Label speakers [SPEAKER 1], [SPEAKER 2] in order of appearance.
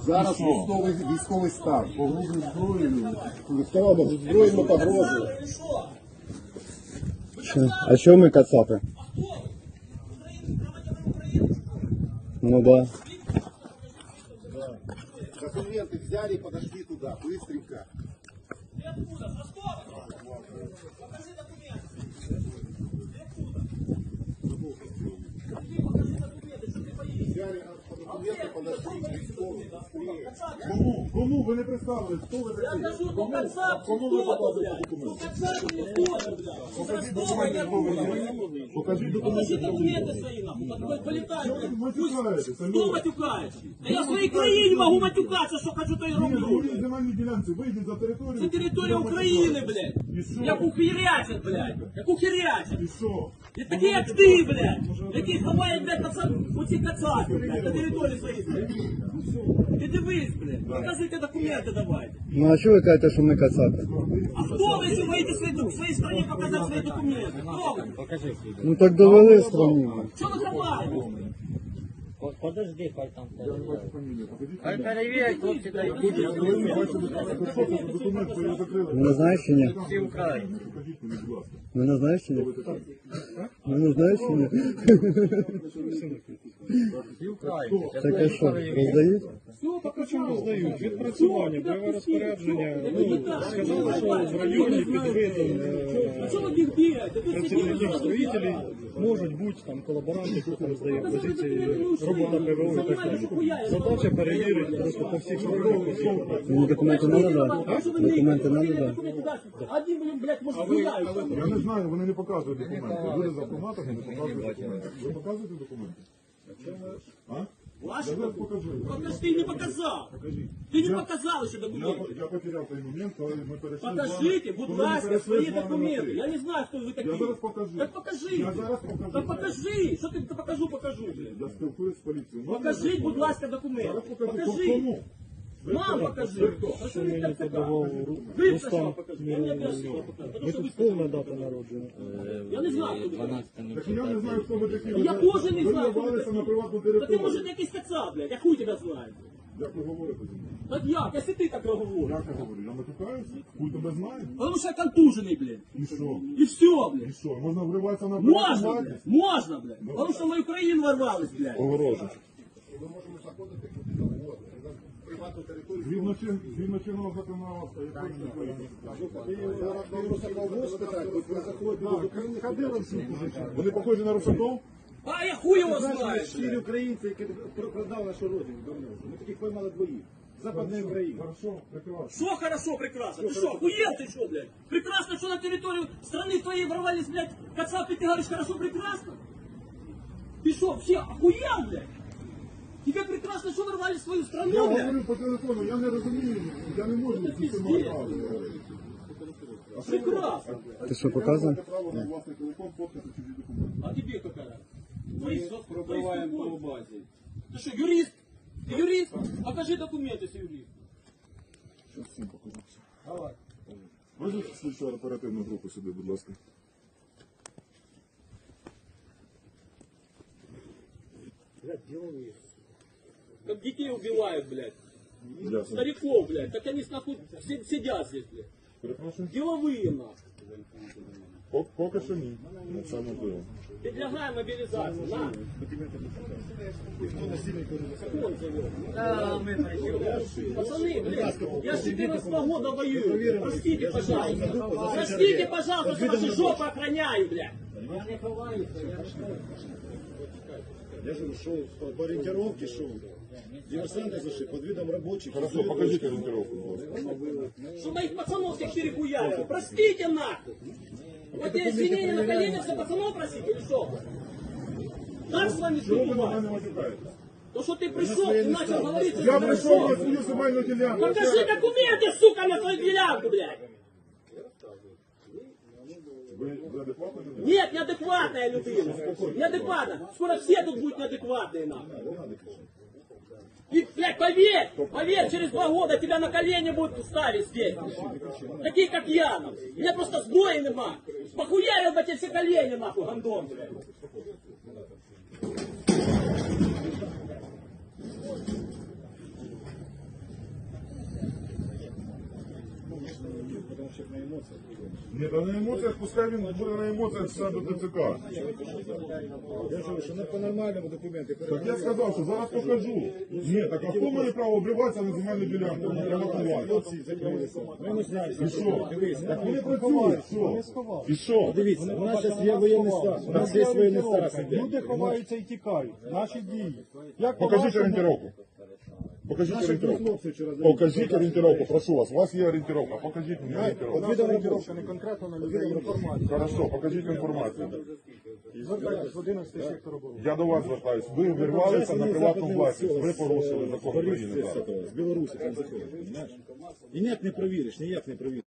[SPEAKER 1] Зараз військовий стан. Погрузили зброєю. Вставало зброєю погрозою.
[SPEAKER 2] А що ми кацапи? Ну да.
[SPEAKER 1] Документы взяли и подошли туда, быстренько.
[SPEAKER 3] Ты откуда? С Ростова? Покажи документы. Покажи документы, что ты боишься.
[SPEAKER 1] Взяли документы, подошли к військовому.
[SPEAKER 4] Кому? Ви не представили? Хто ви
[SPEAKER 3] Я
[SPEAKER 4] такі?
[SPEAKER 3] скажу, ну кацап,
[SPEAKER 4] Кому ви
[SPEAKER 3] кто-то,
[SPEAKER 4] показуєте
[SPEAKER 3] блядь. Ну
[SPEAKER 4] документи?
[SPEAKER 3] кацап, ну кто-то, блядь. Ну
[SPEAKER 4] Покажіть
[SPEAKER 3] Ростова, я
[SPEAKER 4] документи, хто ви
[SPEAKER 3] откуда?
[SPEAKER 4] є. Покажіть
[SPEAKER 3] Покажи
[SPEAKER 4] документи.
[SPEAKER 3] документы свои, нахуй. Полетай,
[SPEAKER 4] Чого ви
[SPEAKER 3] блядь.
[SPEAKER 4] матюкаєтеся?
[SPEAKER 3] Кто матюкается? Да я в своей краине могу матюкаться, что хочу, то и
[SPEAKER 4] Ні,
[SPEAKER 3] роблю.
[SPEAKER 4] ви земельні ділянці, вийдіть за територію.
[SPEAKER 3] Це територія України, блядь.
[SPEAKER 4] І що?
[SPEAKER 3] Як ухирячать, блядь. Як ухирячать.
[SPEAKER 4] І що?
[SPEAKER 3] І такі, як ти, блядь. Які ховають, блядь, оці кацапи, блядь, на території своїй, блядь. Ти дивись, блядь. Покажите документи давайте.
[SPEAKER 2] Ну а що ви кажете, що ми кацапи?
[SPEAKER 3] А хто ви, що вийти в своїй страні показати свої документи? Хто ви?
[SPEAKER 2] Ну так довели в страні.
[SPEAKER 3] Що ви ховаєте?
[SPEAKER 5] Подожди, хай там
[SPEAKER 4] Фамілія, покажіть.
[SPEAKER 5] хай перевірять, хлопці дають.
[SPEAKER 4] Ви не бачите документ, що його закрили.
[SPEAKER 2] Ви не знаєш чи ні?
[SPEAKER 5] Всі Україні.
[SPEAKER 4] Покажіть мені, будь ласка.
[SPEAKER 2] Ви не знаєш чи ні? Ви не знаєш чи ні?
[SPEAKER 5] Всі Україні.
[SPEAKER 2] Так а що, роздають?
[SPEAKER 6] Так а чому роздають? Відпрацювання, бойове розпорядження. Ну, сказали, що в районі під видом
[SPEAKER 3] А що ви їх бігаєте? Ви
[SPEAKER 6] працівників строїтелів можуть бути там колаборанти, хто роздає позиції, робота ПВО і так далі. Задача перевірити просто по всіх сторонах.
[SPEAKER 2] Мені документи не надо? Документи не надо?
[SPEAKER 3] Один, блін, блядь, може, гуляють.
[SPEAKER 4] Я не знаю, вони не показують документи. Люди з автоматами не показують документи. Ви показуєте документи? А?
[SPEAKER 3] Ваші
[SPEAKER 4] Я зараз покажу.
[SPEAKER 3] Покажи, ти не показав. Ти не показав ще документи.
[SPEAKER 4] Я потеряв той момент, коли ми перейшли.
[SPEAKER 3] Покажите, будь
[SPEAKER 4] коли ми
[SPEAKER 3] ласка,
[SPEAKER 4] перейшли
[SPEAKER 3] свої
[SPEAKER 4] з вами на
[SPEAKER 3] документи.
[SPEAKER 4] «ти».
[SPEAKER 3] Я не знаю, хто ви такі.
[SPEAKER 4] Я зараз покажу.
[SPEAKER 3] Так покажи.
[SPEAKER 4] Я зараз покажу.
[SPEAKER 3] Так покажи. Що ти покажу, блядь.
[SPEAKER 4] Я спілкуюсь з поліцією.
[SPEAKER 3] Покажіть, будь ласка, документи.
[SPEAKER 4] Зараз покажу.
[SPEAKER 3] Покажи.
[SPEAKER 4] Кому?
[SPEAKER 3] Нам покажи. А що ви так цікаво? Ви спочатку покажіть. Я не обов'язково покажу. Тому що ви
[SPEAKER 6] Повна дата народження.
[SPEAKER 3] Я не знаю, хто ви такі.
[SPEAKER 4] Так я не знаю, хто ви такі.
[SPEAKER 3] Я теж не
[SPEAKER 4] Ви
[SPEAKER 3] знаю, хто ви
[SPEAKER 4] вирвалися
[SPEAKER 3] такі.
[SPEAKER 4] на приватну
[SPEAKER 3] Та ти,
[SPEAKER 4] територію.
[SPEAKER 3] може, якийсь кацап, блядь. Я хуй тебе знаю.
[SPEAKER 4] Як ви говорите зі мною?
[SPEAKER 3] Так як? Якщо ти так говориш.
[SPEAKER 4] Як я говорю? Я матюкаюся? Хуй тебе знає?
[SPEAKER 3] Тому що я контужений, блядь.
[SPEAKER 4] І що?
[SPEAKER 3] І все,
[SPEAKER 4] І
[SPEAKER 3] блядь.
[SPEAKER 4] що? Можна вриватися на
[SPEAKER 3] Можна,
[SPEAKER 4] приватну
[SPEAKER 3] блядь. Можна, блядь. Тому що в мою країну ворвались, блядь.
[SPEAKER 4] Огорожу.
[SPEAKER 1] Ми можемо заходити в приватну територію.
[SPEAKER 4] Згідно чинного законодавства, якої
[SPEAKER 1] Зараз вам Русаков спитають, ви заходите до України,
[SPEAKER 4] Вони похожі на русаков?
[SPEAKER 3] А я хуй його знаю,
[SPEAKER 1] щирі
[SPEAKER 3] блядь.
[SPEAKER 1] українці, які продали нашу родину давно. Ми таких поймали двоїх. Западної України.
[SPEAKER 4] Хорошо, прекрасно.
[SPEAKER 3] Что хорошо, прекрасно? Ты что, охуел ты что, блядь? Прекрасно, что на территорию страны твоей ворвались, блядь, кацапы, ты говоришь, хорошо, прекрасно? Ты что, вообще охуел, блядь? Тебе прекрасно, что ворвались в свою
[SPEAKER 4] Я
[SPEAKER 3] страну, блядь?
[SPEAKER 4] говорю по телефону, я не розумію, я не можу з цим говорити.
[SPEAKER 3] Прекрасно.
[SPEAKER 2] Ти що, показує?
[SPEAKER 4] Право на власний телефон, фоткати чужі документи.
[SPEAKER 3] А тебе какая? Пробиваем по базе. Ты что, юрист? Ты юрист? Покажи документы, если юрист.
[SPEAKER 4] Щас всім покажу. Давай. Визовіть слідчу оперативну групу сюди, будь ласка.
[SPEAKER 3] Как детей убивают, блядь.
[SPEAKER 4] Ясно.
[SPEAKER 3] Стариков, блядь. Так они нахуй сидят здесь, блядь.
[SPEAKER 4] Перепрошую.
[SPEAKER 3] Деловые, нахуй.
[SPEAKER 4] Поки що ні. Це можливо.
[SPEAKER 3] Предлагаем мобилизацию. На. Закон завел. Пацаны, блядь, я с 14 года воюю. Простите, пожалуйста. Простите, пожалуйста, что ваши жопы охраняю, блядь.
[SPEAKER 1] Я же шел по ориентировке, шел. Диверсанты зашли под видом рабочих.
[SPEAKER 4] Хорошо, покажіть орієнтировку, будь ласка.
[SPEAKER 3] Что моих пацанов всех перехуяли. Простите, нахуй. Вот я извинения на коленях за пацанов просить или что? Так с вами
[SPEAKER 4] Чому ви на
[SPEAKER 3] бывает?
[SPEAKER 4] мене матюкаєте?
[SPEAKER 3] То, что ты пришел и начал говорить,
[SPEAKER 4] Я прийшов на свою земельну ділянку.
[SPEAKER 3] покажи документы, сука, на свою делянку, блядь.
[SPEAKER 4] Ви адекватно людина?
[SPEAKER 3] Нет, неадекватная людина. Неадекватно. Скоро все тут будут неадекватные, нахуй. И, блядь, поверь, через 2 года тебя на колени будут ставить здесь. Такие, как я, нахуй. Меня просто сбоя нема. Похуярил бы тебе все колени, нахуй, гандон, блядь.
[SPEAKER 1] взагалі на емоціях.
[SPEAKER 4] Ні, та на емоціях, пускай він буде на емоціях все до ТЦК.
[SPEAKER 1] Я ж говорю, що не по нормальному документи.
[SPEAKER 4] Так я сказав, що зараз покажу. Ні, так а хто має право обриватися на земельну ділянку? Приватувати.
[SPEAKER 1] Хлопці закрилися. Ми не знаємо.
[SPEAKER 4] І що?
[SPEAKER 1] Дивись,
[SPEAKER 4] Так вони працюють, що? І що?
[SPEAKER 1] дивіться, у нас зараз є воєнний стан. У нас є воєнний стан.
[SPEAKER 6] Люди ховаються і тікають. Наші дії. Як
[SPEAKER 4] Покажіть
[SPEAKER 6] по-вашому?
[SPEAKER 4] орієнтировку. Покажіть
[SPEAKER 1] Наші
[SPEAKER 4] орієнировку.
[SPEAKER 1] хлопці вчора
[SPEAKER 4] Покажіть орієнтировку, прошу вас. У вас є орієнтировка. Покажіть мені орієнтировку.
[SPEAKER 1] Відомо
[SPEAKER 6] Орієнтировка не конкретно на людей, інформація.
[SPEAKER 4] Хорошо, покажіть інформацію.
[SPEAKER 6] Звертайтесь в 11 сектор оборони.
[SPEAKER 4] Я до вас звертаюсь. Ви вирвалися на приватну власність. Ви порушили закон України.
[SPEAKER 1] з Білорусі там заходять, розумієш? І ніяк не провіриш, ніяк не провіриш.